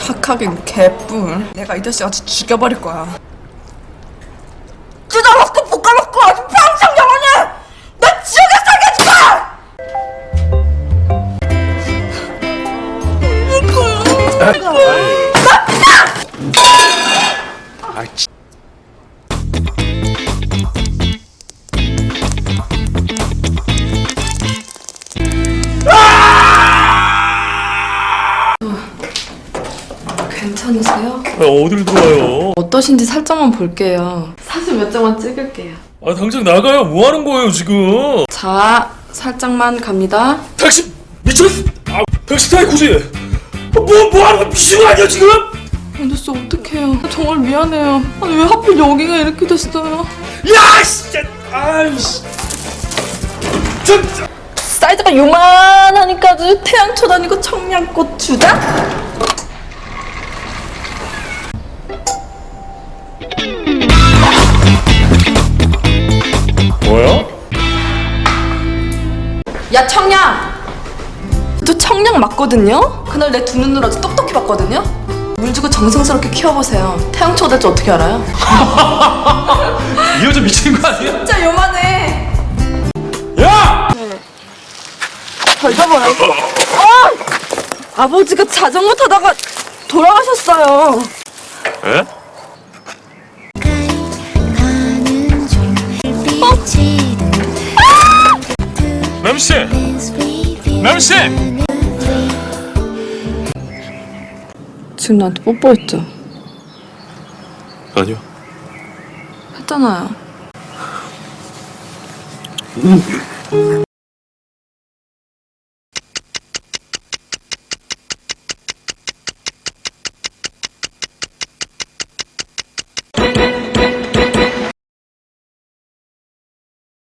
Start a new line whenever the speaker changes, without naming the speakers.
착하긴 개뿔. 내가 이 자식 아주 죽여버릴 거야. 뜯어먹고 볶아먹고 아주 평생 영원히 나 지옥에 살게 해줄 거야! 괜찮으세요?
어딜 들어와요?
어떠신지 살짝만 볼게요. 사진 몇 장만 찍을게요.
아 당장 나가요. 뭐 하는 거예요 지금?
자, 살짝만 갑니다.
당신 미쳤어? 아 당신 사이코지? 뭐 하는 거 미친 거 아니야 지금?
안됐어, 어떡해요. 정말 미안해요. 아니 왜 하필 여기가 이렇게 됐어요?
야 진짜 아이씨. 진짜.
사이즈가 요만하니까 아주 태양초 다니고 청양꽃 주다?
뭐야?
야 청양! 저 청양 맞거든요? 그날 내 두 눈으로 아주 똑똑히 봤거든요? 물 주고 정성스럽게 키워보세요. 태양초 될지 어떻게 알아요?
이 여자 미친 거 아니야?
진짜 요만해.
야!
저 잊어버려. 아버지가 자전거 타다가 돌아가셨어요.
에? 맴씨! 맴씨!
지금 나한테 뽀뽀했죠?
아니요.
했잖아요.